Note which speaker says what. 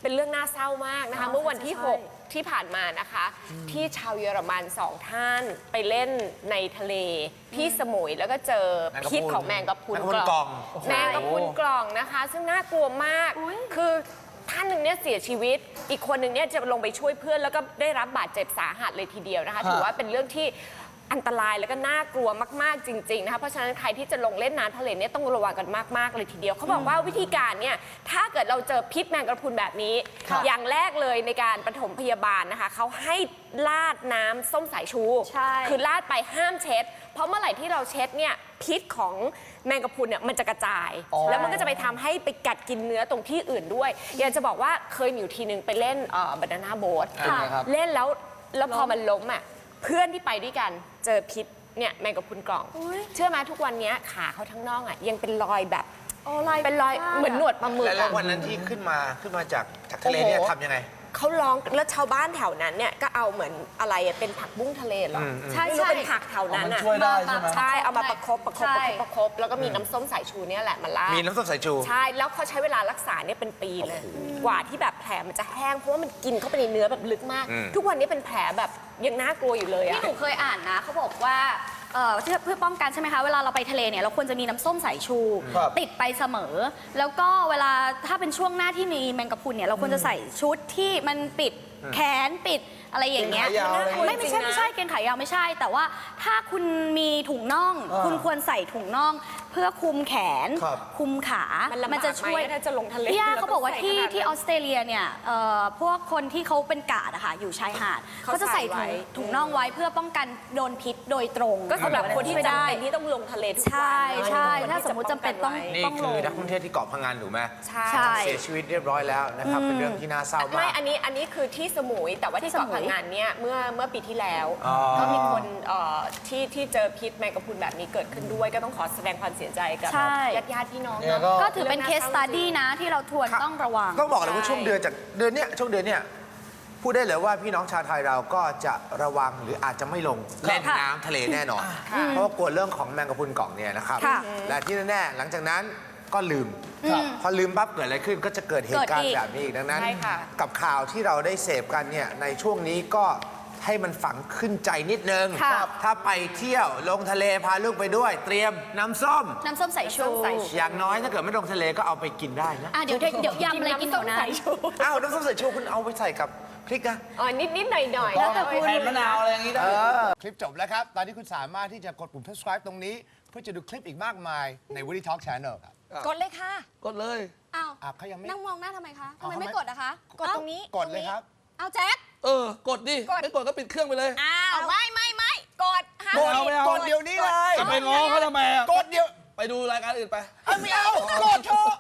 Speaker 1: เป็นเรื่องน่าเศร้ามากนะคะเมื่อวันที่ 6 ที่ผ่านมานะคะที่ชาวเยอรมัน2 ท่านไปเล่นในทะเลที่สมุยแล้วก็เจอพิษของแมงกะพรุนกล่องแมงกะพรุนกล่องนะคะซึ่งน่ากลัวมากคือท่านหนึ่งเนี่ยเสียชีวิตอีกคนหนึ่งเนี่ยจะลงไปช่วยเพื่อนแล้วก็ได้รับบาดเจ็บสาหัสเลยทีเดียวนะคะถือว่าเป็นเรื่องที่อันตรายแล้วก็น่ากลัวมากๆจริงๆนะคะเพราะฉะนั้นใครที่จะลงเล่นน้ำทะเลเนี่ยต้องระวังกันมากๆเลยทีเดียวเขาบอกว่าวิธีการเนี่ยถ้าเกิดเราเจอพิษแมงกะพรุนแบบนี้อย่างแรกเลยในการปฐมพยาบาลนะคะเขาให้ราดน้ำส้มสายชูคือราดไปห้ามเช็ดเพราะเมื่อไหร่ที่เราเช็ดเนี่ยพิษของแมงกะพรุนเนี่ยมันจะกระจายแล้วมันก็จะไปทำให้ไปกัดกินเนื้อตรงที่อื่นด้วยอยากจะบอกว่าเคยมีอยู่ทีนึงไปเล่นบานาน่าโบ๊ทเล่นแล้วพอมันล้มอ่ะเพื่อนที่ไปด้วยกันเจอพิษเนี่ยแมงกะพรุนกล่องเชื่อไหมทุกวันนี้ขาเขาทั้งน่องอ่ะยังเป็นรอยแบบเป็นรอยเหมือนหนวดปลาหมึก
Speaker 2: แล้ววันนั้นที่ขึ้นมาจากทะเลเนี่ยทำยังไง
Speaker 1: เขาร้องแล้วชาวบ้านแถวนั้นเนี่ยก็เอาเหมือนอะไรเป็นผักบุ้งทะเลหรอใช่เป็นผักแถวนั้นอ่ะ
Speaker 3: ช่วยได้ใช่ไหม
Speaker 1: ใช่เอามาประคบแล้วก็มีน้ำส้มสายชูเนี่ยแหละมาลาด
Speaker 2: มีน้ำส้มสายชู
Speaker 1: ใช่แล้วเขาใช้เวลารักษาเนี่ยเป็นปีเลยกว่าที่แบบแผลมันจะแห้งเพราะว่ามันกินเข้าไปในเนื้อแบบลึกมากทุกวันนี้เป็นแผลแบบยังน่ากลัวอยู่เลยอะ
Speaker 4: ที่หนูเคยอ่านนะเขาบอกว่าเพื่อป้องกันใช่ไหมคะเวลาเราไปทะเลเนี่ยเราควรจะมีน้ำส้มสายชูติดไปเสมอแล้วก็เวลาถ้าเป็นช่วงหน้าที่มีแมงกะพรุนเนี่ยเราควรจะใส่ชุดที่มันปิดแขนปิดอะไรอย่างเงี้ยไม่ใช่เกงขายาวไม่ใช่แต่ว่าถ้าคุณมีถุงน่องคุณควรใส่ถุงน่องเพื่อคุมแขนคุมขามันจะช่วย
Speaker 1: ถ้าจะลงทะเล
Speaker 4: พี่ย่าเขาบอกว่าที่ออสเตรเลียเนี่ยพวกคนที่เขาเป็นกาดอะค่ะอยู่ชายหาดเขาจะใส่ถุงน่องไว้เพื่อป้องกันโดนพิษโดยตรง
Speaker 1: ก็สำหรับคนที่จำเป็นที่ต้องลงทะเลทุกวัน
Speaker 4: ใช่ถ้าสมมติจำเป็นต้อง
Speaker 2: นี่คือนักท่องเที่ยวที่เกาะพังงานถูกไหม
Speaker 1: ใช่
Speaker 2: เสียชีวิตเรียบร้อยแล้วนะครับเป็นเรื่องที่น่าเศร้ามาก
Speaker 1: ไม่อันนี้คือที่สมุยแต่ว่าที่เกาะพังงานเนี่ยเมื่อปีที่แล้วก็มีคนที่เจอพิษแมงกะพรุนแบบนี้เกิดขึ้นด้วยก็ต้องขอแสดงความเสียใจกับญาติพี่น้อง
Speaker 4: ก็ถือเป็นเคสสตัดดี้นะที่เราทวนต้องระวัง
Speaker 2: ต้องบอกเลยว่าช่วงเดือนเนี่ยพูดได้เลยว่าพี่น้องชาวไทยเราก็จะระวังหรืออาจจะไม่ลงเล่นน้ำทะเลแน่นอนเพราะว่ากลัวเรื่องของแมงกะพรุนกล่องเนี่ยนะครับและที่แน่ๆหลังจากนั้นก็ลืมพอลืมปั๊บเกิดอะไรขึ้นก็จะเกิดเหตุการณ์แบบนี้อีกดังนั้นกับข่าวที่เราได้เสพกันเนี่ยในช่วงนี้ก็ให้มันฝังขึ้นใจนิดนึงถ้าไปเที่ยวลงทะเลพาลูกไปด้วยเตรียมน้ำส้ม
Speaker 4: สายชู
Speaker 2: อย่างน้อยถ้าเกิดไม่ลงทะเลก็เอาไปกินได้นะ
Speaker 4: เดี๋ยวยำอะไรกินหนูนะ
Speaker 2: อ้าวน้ำส้มสายชูคุณเอาไปใส่กับพริกนะ
Speaker 1: นิดหน่อย
Speaker 3: แล้วแต่คุณแผ่นมะนาวอะไรอย่างนี้ได้
Speaker 2: คลิปจบแล้วครับตอนนี้คุณสามารถที่จะกดปุ่ม subscribe ตรงนี้เพื่อจะดูคลิปอีกมากมายใน Woody Talk Channel ครับ
Speaker 4: กดเลยค่ะ
Speaker 3: กดเลย
Speaker 4: อ้าว
Speaker 2: เขายังไม่
Speaker 4: นั่งมองหน้าทำไมคะทำไมไม่กดอะคะ
Speaker 1: กดตรงนี้
Speaker 2: กดเลยครับ
Speaker 4: เอาแจ็ค
Speaker 3: กดดิไม่กดก็ปิดเครื่องไปเลย
Speaker 4: อ้าวไม่กด
Speaker 2: กดเดี๋ยวนี้เลย
Speaker 3: จะไปง้อเขาทำไม
Speaker 2: กดเดี๋ยว
Speaker 3: ไปดูรายการอื่นไป
Speaker 2: ไม่เอากดเถอะ